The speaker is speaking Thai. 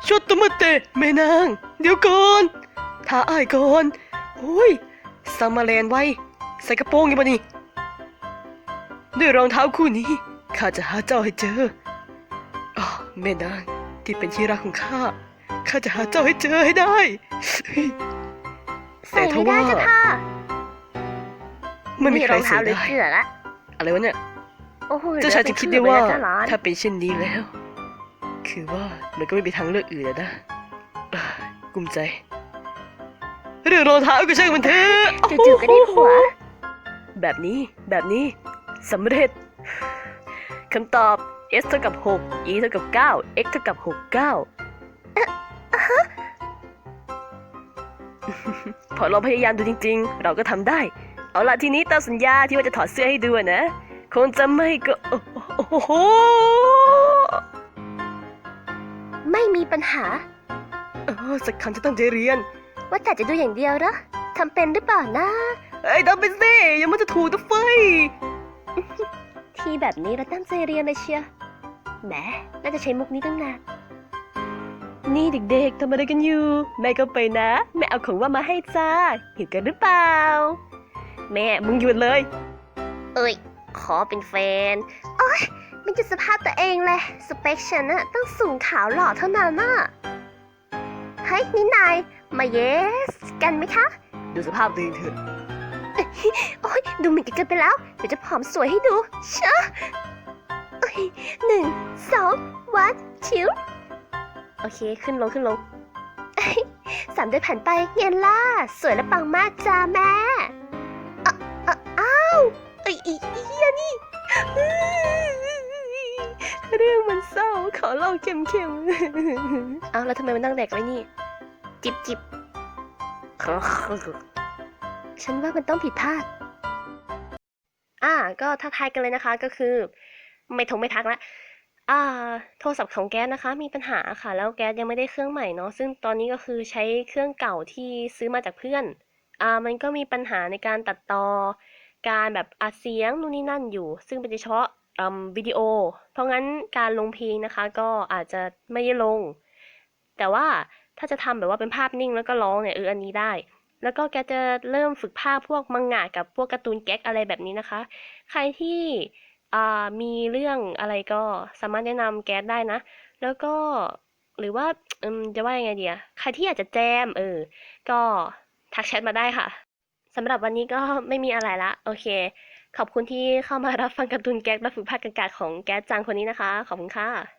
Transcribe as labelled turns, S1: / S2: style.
S1: ชดตะมะเตะแม่นางเดี๋ยวก่อนท้าอ้ายก่อนโอ้ยซัมมาแลนไว้ใส่กระโปรงยังบ่นี่ด้วยรองเท้าคู่นี้ข้าจะหาเจ้าให้เจออ๋อแม่นางที่เป็นที่รักของข้าจะหาเจ้าให้เจอให้ได้
S2: ใส่ไม่ได้จ้ะค่ะ
S1: ไม่มีใคร
S2: รอง
S1: ใส่
S2: เท้าหรือ
S1: ได้
S2: เสื้อละ
S1: อะไรวะเนี่ย
S2: โอ้โห
S1: เจ้าชายจึงคิดได้ว่า
S2: เหลือเป็นเสื้อไปแล้วจ้ะหลาน
S1: ถ้าเป็นเช่นนี้แล้ว คือว่ามันก็ไม่มีทางเลือกอื่นแล้วนะเอ้ยกลุ้มใจเรื่องรองเท้าก็ช่างมันเถอะ
S2: จู่ๆก็ได้ผัว
S1: แบบนี้สำเร็จคำตอบ s เท่ากับ6 e เท่ากับ9 x เท่ากับ69พอเราพยายามดูจริงๆ เราก็ทำได้ เอาล่ะทีนี้ตามสัญญาที่ว่าจะถอดเสื้อให้ดูอะนะคงจะไม่ก็โอ้โห
S2: ไม่มีปัญหา
S1: สักครั้งจะตั้งใจเรียน
S2: ว่าแต่จะดูอย่างเดียวเหรอทำเป็นหรือเปล่านะ
S1: เอ้ยทำไปสิอย่ามันจะถูกตะไฟ
S2: ทีแบบนี้เราตั้งใจเรียนเลยเชียวแหมน่าจะใช้มุกนี้ตั้งนาน
S1: นี่เด็กๆทำอะไรกันอยู่แม่ก็ไปนะแม่เอาของว่ามาให้จ้าหิวกันหรือเปล่าแม่มึงหยุดเลย
S2: เอ้ย ขอเป็นแฟน โอ๊ยไม่จุดสภาพตัวเองเลย สเปคฉันอะต้องสูงขาวหล่อเท่านั้นน่ะเฮ้ยนี่นายมาเยสกันไหมคะ
S1: ดูสภาพตัวเองเถอะ
S2: โอ๊ยดูเหมือนกันไปแล้ว เดี๋ยวจะผอมสวยให้ดูเชอะโอ้ย1 2 วันชิวโอเคขึ้นลง3 เดือนผ่านไปเย็นล่ะสวยและปังมากจ้าแม่อ้าวไอ้เหี้ยนี่เรื่องมันเศร้าขอเล่าเค็มๆเอาแล้วทำไมมันนั่งแดกไว้นี่ จิบฉันว่ามันต้องผิดพลาดก็ทักทายกันเลยนะคะก็คือไม่ทักละโทรศัพท์ของแก๊สนะคะมีปัญหาค่ะแล้วแก๊สยังไม่ได้เครื่องใหม่เนาะซึ่งตอนนี้ก็คือใช้เครื่องเก่าที่ซื้อมาจากเพื่อนมันก็มีปัญหาในการตัดต่อการแบบอัดเสียงนู่นนี่นั่นอยู่ซึ่งเป็นเฉพาะวิดีโอเพราะงั้นการลงเพลงนะคะก็อาจจะไม่ได้ลงแต่ว่าถ้าจะทำแบบว่าเป็นภาพนิ่งแล้วก็ร้องเนี่ยอันนี้ได้แล้วก็แกจะเริ่มฝึกภาพพวกมังงะกับพวกการ์ตูนแก๊กอะไรแบบนี้นะคะใครที่มีเรื่องอะไรก็สามารถแนะนำแก๊สได้นะแล้วก็หรือว่าจะว่ายังไงดีใครที่อยากจะแจมก็ทักแชทมาได้ค่ะสำหรับวันนี้ก็ไม่มีอะไรละโอเคขอบคุณที่เข้ามารับฟังการ์ตูนแก๊กและฝึกภาคกากาของแก๊สจังคนนี้นะคะขอบคุณค่ะ